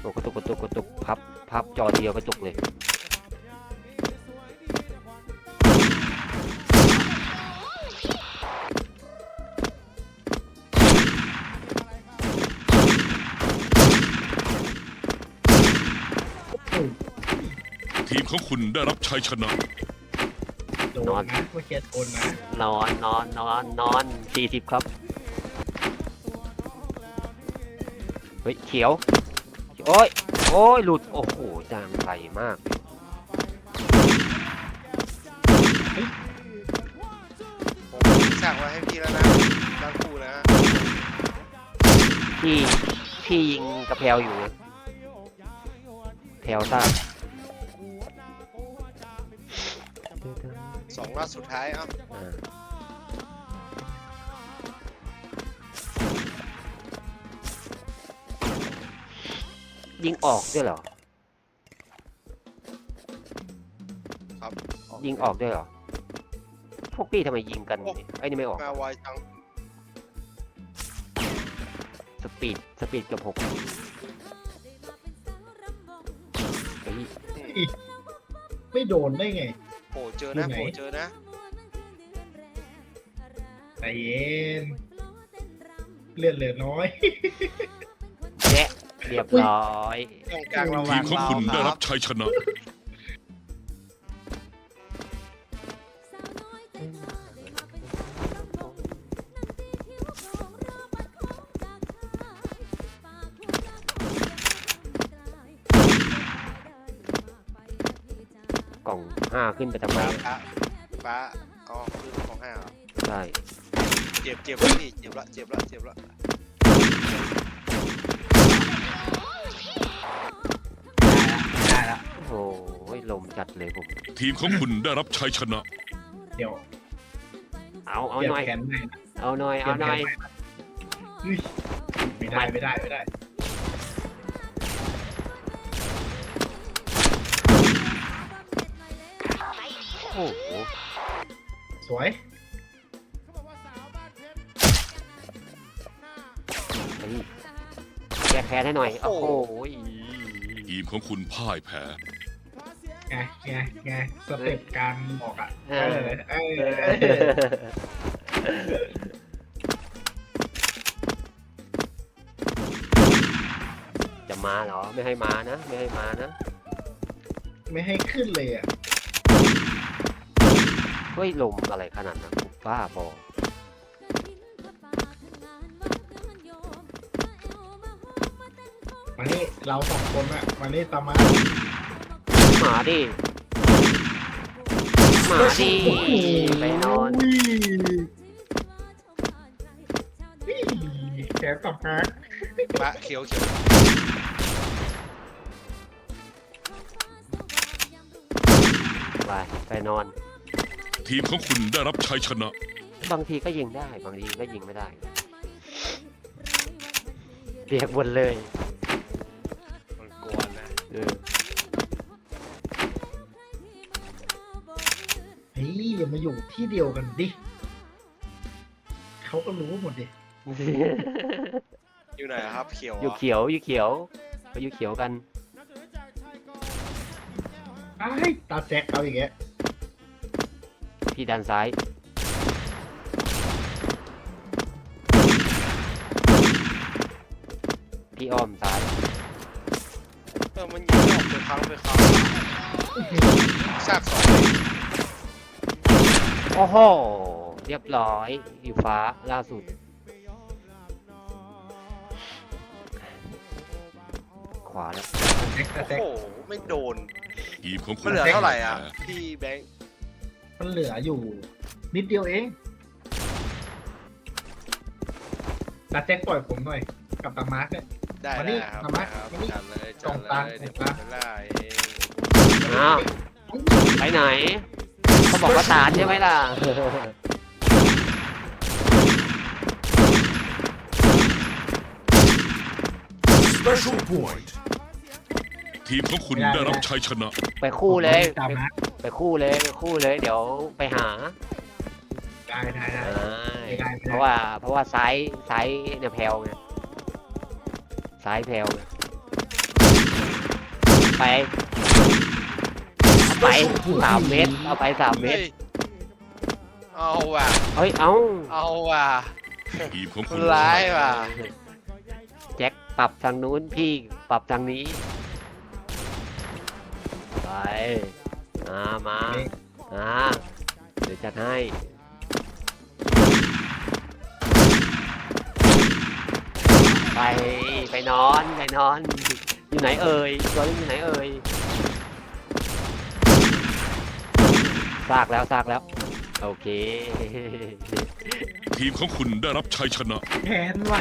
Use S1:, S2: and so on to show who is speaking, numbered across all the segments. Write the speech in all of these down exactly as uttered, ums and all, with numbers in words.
S1: โอ้กระตุกกระตุกกระตุกพับพับจอเดียวกระตุกเลย
S2: ทีมของคุณได้รับชัยชนะ
S3: โดนนะเมื่อกี้โดนนะ
S1: นอนนอนนอนนอนสี่สิบครับเฮ้ยเขียวโอ้ยโอ้ยหลุดโอ้โหจางไรมาก
S4: ผมสั่งไว้ให้พี่แล้วนะตั้งคู่นะ
S1: พี่พี่ยิงกระเพลอยู่แพลวซ่า
S4: สองรอบสุดท้ายเอ้า
S1: ยิงออกด้วยเหรอ
S4: ครับ
S1: ยิงออกด้วยเหรอพวกพี่ทำไมยิงกันไอ้นี่ไม่ออก
S4: มาไวจัง
S1: สปีดสปีดเกือบหกเฮ้ย
S3: ไม่โดนได้ไง
S4: โผล่เจอนะโผล่เจอนะ
S3: ใจเย็นเลือดเหลือน้อย
S1: แยะเรียบร้อย
S4: ตรงกลางระห
S2: ที
S4: ว่าง
S2: มของ
S4: เรา
S2: คุณ
S4: ค
S2: ได้
S4: รั
S2: รั
S4: บบ
S2: ชัยชนะ
S1: กล่องห้าขึ้นไปทำไม
S4: ฟ้าฟ้าอ๋อคือของห้าเหรอ
S1: ใช่
S4: เจ็บเจ็บแล้วพี่เจ็บละเจ็บละเจ็บละ
S3: ได้ละ
S1: โอ้ยลมจัดเลยผม
S2: ทีมของคุณได้รับชัยชนะ
S3: เดี๋ยว
S1: เอาเอา
S3: เปลี่ย
S1: หน่อย
S3: นแขนใหม่นะ
S1: เอาหน่อยเอาหน่อย
S3: เฮ้ยไม่ได้ไม่ได้ไม่ได้
S1: โอ้โห
S3: สวย
S1: เฮ้ยแก้แค้นให้หน่อยโอ้โห
S2: ทีมของคุณพ่ายแพ้
S3: ไงไงไงสเต็ปการบอกอ่ะเออเออเออ
S1: จะมาเหรอไม่ให้มานะไม่ให้มานะ
S3: ไม่ให้ขึ้นเลยอ่ะ
S1: เฮ้ยลมอะไรขนาดนั้นบ้าบอ
S3: มานี่เราสองคนอ่ะมานี่ตามมา
S1: หมาดิหมาดิไปนอน
S3: นี่แขนสับฮะ
S4: ฟ้าเขียวเขียว
S1: ไปไปนอน
S2: ทีมของคุณได้รับชัยชนะ
S1: บางทีก็ยิงได้บางทีก็ยิงไม่ได้เรียกวนเลย
S4: มันกวนนะ
S1: เออ
S3: เฮ้ยอย่ามาอยู่ที่เดียวกันดิเขาก็รู้หมดดิ
S4: อยู่ไหนอะครับเขียว
S1: อยู่
S4: อ่ะ
S1: เขียวอยู่เขียวไปอยู่เขียวกัน
S3: ไอ้ตาแจ็คเอาอย่างเงี้ย
S1: พี่ด้านซ้ายพี่อ้อมซ้าย
S4: เออมันยิงออกไปครั้งไปครั้งซากสองเลย
S1: โอ้โหเรียบร้อยอยู่ฟ้าล่าสุดขวาแล้ว
S3: แจ็คตา
S4: โอ้
S3: แจ็ค
S4: โหไม่โดน
S2: ทีมของคุ
S4: มัน
S2: ณ
S4: เหลือเท่าไหร่อ่ะ
S2: พ่ยแพ้
S4: พี่แบงค์
S3: มันเหลืออยู่ นิดเดียวเองตาแจ็คปล่อยผมหน่อยกับตามาร์กเนี่ย
S4: ได้
S3: มานี่
S4: ได้ครับ
S3: มามา
S4: ได้ครับ
S3: มานี่
S4: จัดเลย
S3: ตร
S4: จัด
S3: ง
S4: เล
S3: กลาง
S4: ยเดี๋ยว
S3: ตรงกลาง
S4: ไปไล่เอง
S1: อ้าวไปไหนเขาบอกว่าตาลใช่ไหมล่ะ
S2: Special point ทีมของคุณได้รับชัยชนะ
S1: ไปคู่เลย
S3: ตาม
S1: ไป
S3: มาร์ก
S1: ไปคู่เลยไปคู่เลย เดี๋ยวไปหา
S3: ได้ได้ได้
S1: อ่า
S3: ไม่ได้ไม่ได้
S1: เพราะว่าเพราะว่าซ้ายซ้ายเนี่ยแพลวไงซ้ายแพลวไงไปเอาไปสามเมตรเอาไปสามเมต
S4: เฮ้
S1: ร
S4: ยเอาว่ะ
S1: เฮ้ยเอา
S4: เอาว่ะ
S2: ทีมของ
S4: ค
S2: คุ
S4: น
S2: ณ
S4: ร้ายว่ะ
S1: แจ็คปรับทางนู้นพี่ปรับทางนี้ไปมามาอ่าเดี๋ยวจัดให้ไปไปนอนไปนอนอยู่ไหนเอ่ยตัวนี้อยู่ไหนเอ่ยซากแล้วซากแล้วโอเค
S2: ทีมของคุณได้รับชัยชนะ
S3: แขนว่ะ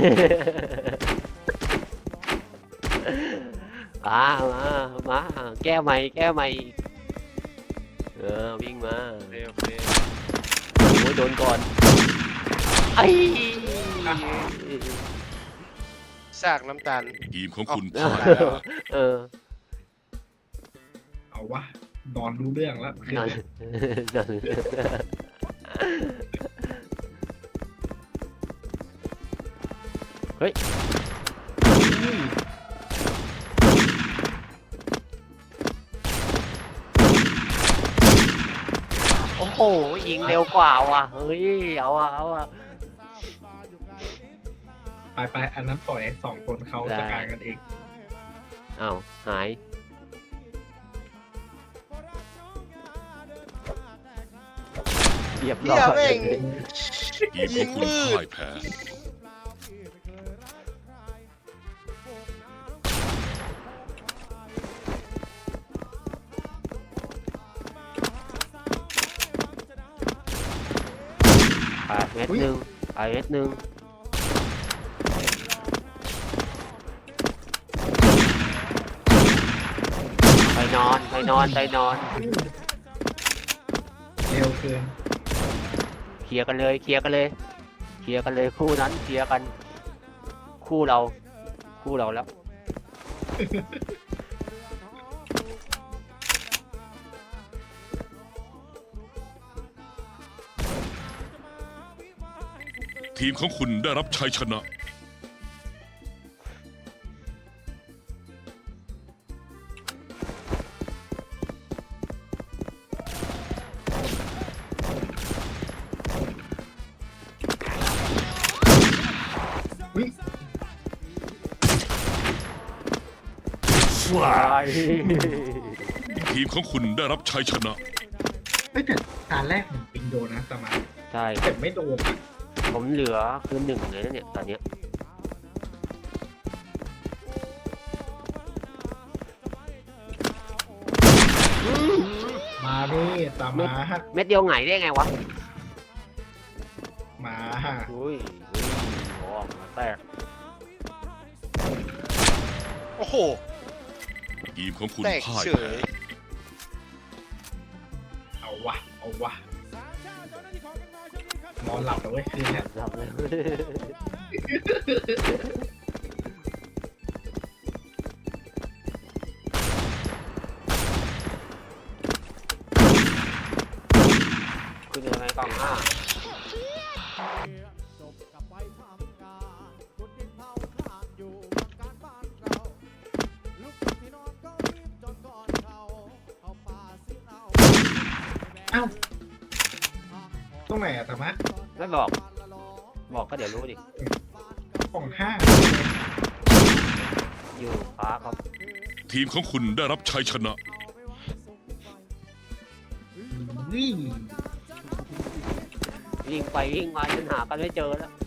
S1: มามามาแก้ใหม่แก้ใหม่เออวิ่งมา
S4: โอเคโอเค
S1: โอ้ยโดนก่อนไอ้
S4: ซากน้ำตาล
S2: ทีมของคุณ
S1: เอ
S2: พ่า
S1: อย
S2: แพ้
S1: เออ
S3: เอาวะนอนรู้เรื่องแล้วคืน
S1: นั่น
S3: นี้
S1: นั่นเฮ้ยโอ้โหยิงเร็วกว่าว่ะเฮ้ยเอาอะเอาอะ
S3: ไปไปอันนั้นปล่อยให้สองคนเขาจัดการกันเอง
S1: อ้าวหายเรียบร้
S4: เฮี
S1: อย
S4: แม่ง
S2: ทีมของคุณพ่ายแพ้
S1: ไปเม็ดหนึ่งไปเม็ดหนึ่งไปนอนไปนอนไปนอน
S3: เร็วเกิน
S1: เคลียร์กันเลยเคลียร์กันเลยเคลียร์กันเลยคู่นั้นเคลียร์กัน คู่เรา คู่เราแล้ว
S2: ทีมของคุณได้รับชัยชนะ
S3: วิ
S1: ว้าย
S2: ทีมของคุณได้รับชัยชนะ
S3: เอ้ยแต่ตาแรกผมปิงโดนนะแต่มา
S1: ใช่
S3: แต่ไม่โดนอะ
S1: ผมเหลือคือหนึ่งเลยนะเนี่ยตอนเนี้ย
S3: มาดิตามมาฮะ
S1: เม็ดเดียวไงได้ไงวะ
S3: มาฮะ
S1: อุ้ยอุ้ยโอ้มาแตก
S4: โอ้โห
S2: ทีมของคุณ
S4: แตก
S2: พ่าย
S4: เฉ
S2: แพ้
S4: ย
S3: เอาวะเอาวะนอนหลับแล้วเว้ยคืนนี้
S1: หลับเลยคุณยังไงกล่องห้า
S3: เอ้าตรงไหนอะธรรมะ
S1: ไม่บอก บอกก็เดี๋ยวรู้ดิ
S3: ของห้า
S1: อยู่ฟ้าครับ
S2: ทีมของคุณได้รับชัยชนะ
S3: วิ่ง
S1: วิ่งไปวิ่งมาจนหากันไม่เจอแล้ว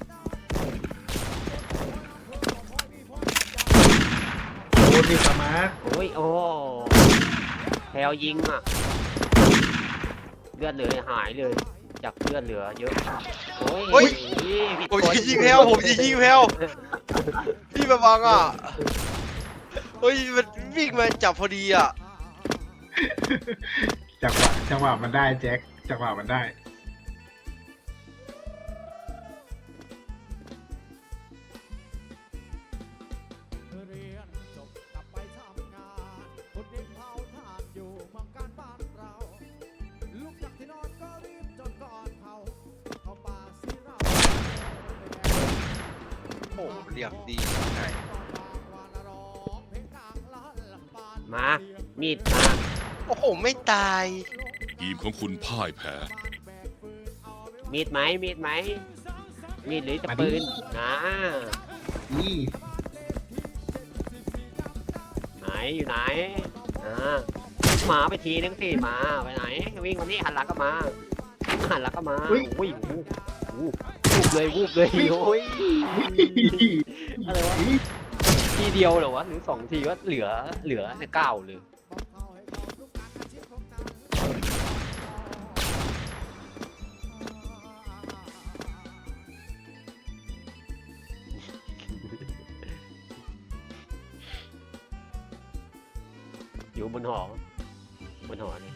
S3: โอ้ดิธรรมะ
S1: โอ้ยโอ้แพลวยิงอ่ะ เลือดเหลือหายเลย จากเลือดเหลือเยอะ โอ้ย
S4: เฮ้ย
S1: ผิด
S4: ผม
S1: คน
S4: จะยิงแพลวผมจะยิงแพลวพี่มาบังอ่ะเฮ้ยมันวิ่งมาจับพอดีอ่ะ
S3: จังหวะจังหวะมันได้แจ็คจังหวะมันได้
S4: โอ้โหเรียกดีใช่
S1: มามีดมา
S4: โอ้โหไม่ตาย
S2: ทีมของคุณพ่ายแพ้
S1: มีดไหมมีดไหมมีดหรือจะปืนนะ
S3: นี่
S1: ไหนอยู่ไหนอ่าหมาไปทีนึงสิหมาไปไหนวิ่งมานี่หันหลังก็มาหันหลังก็มาโอ้ยวูบวูบเลยวูบเลยโอ้ยอะไรวะทีเดียวเหรอวะหรือสองทีก็เหลือเหลือเนี่ยเก้าเลยอยู่บนหอบนหอนี่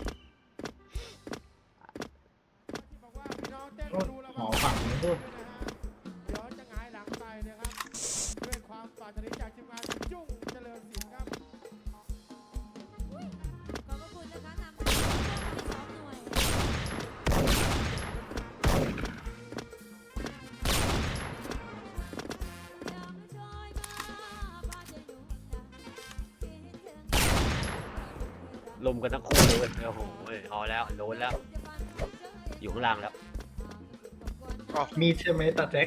S3: หมอฝั่งนู้นด้วย
S5: เดี๋ยวจะหงายหลังไปนะครับด้วยความปรารถนาจากทีมงานจุ้งเจริญศิลป์ครับ
S6: ขอบพระคุณนะคะนำไปที่สองหน่วย
S1: ลมกันทั้งคู่เลยเว้ยโอ้โหเอาแล้วโดนแล้ว อยู่ข้างล่างแล้ว
S3: มีใช่ไหมตาแจ็ค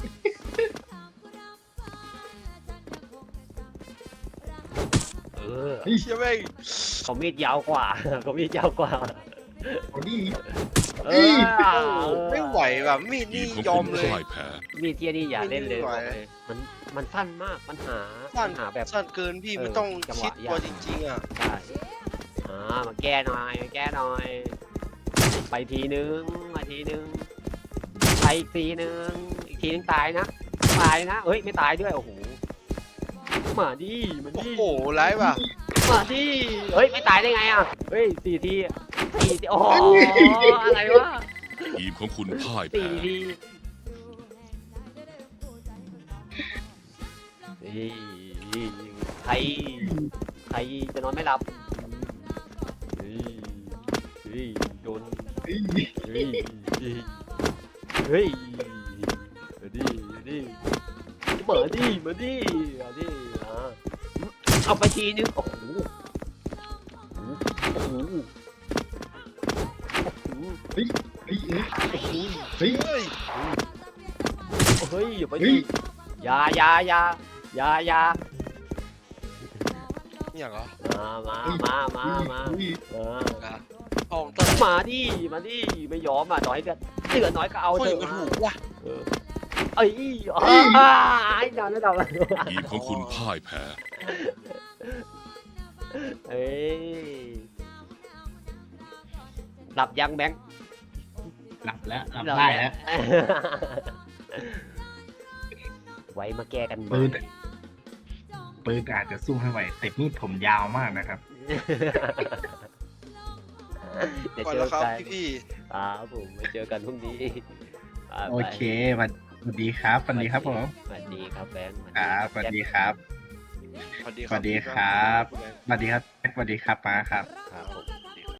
S1: เออ
S4: เชี่ยแม่ง
S1: เขามีดยาวกว่า เขามีดยาวกว่า
S3: โอ้ดี
S1: เอ
S3: เอ้ย
S1: อ
S4: ไม่ไหวแบบมีด
S2: ที
S4: นี่
S2: มของ
S4: ยอ
S2: คุ
S4: ม
S2: ณ
S4: เลย
S2: พ่ายแพ้
S1: มีดเทียนี่อย่าเล่นเลย
S4: ไม่ไหว
S1: บอกเลยมันมันสั้นมากปัญหา
S4: สั้น
S1: ปัญหาแบบ
S4: สั้นเกินพี่
S1: เออ
S4: มันต้อง
S1: จังหวะ
S4: คิดตัวย
S1: าก
S4: จริงๆอ่ะ
S1: ใช่อ่ามาแก้หน่อยมาแก้หน่อย ไปทีนึงมาทีนึงไปอีกทีนึงอีกทีนึงตายนะตายนะเอ้ยไม่ตายด้วยโอ้โหมาดิมา
S4: โอ้
S1: ดิ
S4: โหร้ายว่ะ
S1: มาดิเฮ้ยไม่ตายได้ไงอ่ะเฮ้ยสี่ทีสี่ทีโอ้โหอะไรวะ
S2: ทีมของคุณพ่าย
S1: สี่
S2: แพ้
S1: ทีเฮ้ยใครใครจะนอนไม่หลับเฮ้ยเฮ้ยโดน
S3: เฮ้ย
S1: เฮ้ยเฮ้ยมาดิมาดิมาดิมาดิมาดิอ่ะเอาไปทีนึงโอ้โหโอ้โหโอ้โห
S3: เฮ้ยเฮ้ย
S1: โอ้โห
S3: เฮ้ย
S4: เฮ้ย
S1: เฮ้ยอย่าไป
S3: เฮ้
S1: ดิ
S3: ย
S1: อยาอยาอยาอยาอยา
S4: อย่างเหรอ
S1: มามามามามาเออ
S4: ห้องต้น
S1: มาดิมาดิไม่ยอมอ่ะต่อให้เดือดเดือดน้อยก็เอา
S4: คน
S1: เถ
S4: อื่
S1: อะ
S4: นก็ถูกว่ะ
S1: เออเอ้ยอ้าไอ้ดาวแล้วดาว
S2: ทีมของคุณพ่ายแพ้
S1: เอ้ยหลับยังแบงค์
S3: หลับแล้วหลับได้แล้ว
S1: ไว้มาแก้กันใหม่
S3: ปืนปืนอาจจะสู้ไม่ไหวแต่มีดผมยาวมากนะครับ
S1: เดี๋ยว
S4: ก่อน
S1: เจ
S4: แล้
S1: อ
S4: วครับ
S1: กัน
S4: พี่
S1: ครับผมมาเจอกันพรุ่งนี้บ๊ายบาย
S3: โอเคสวัสดีครับสวัสดีครับผม
S1: สวัสดีครับแบงค์
S3: ครับสวัสดีครับ
S4: ๆสวัสดี
S3: สวัสดีครับ สวัสดีครับสวัสดีครับมาครับ
S1: ครับผม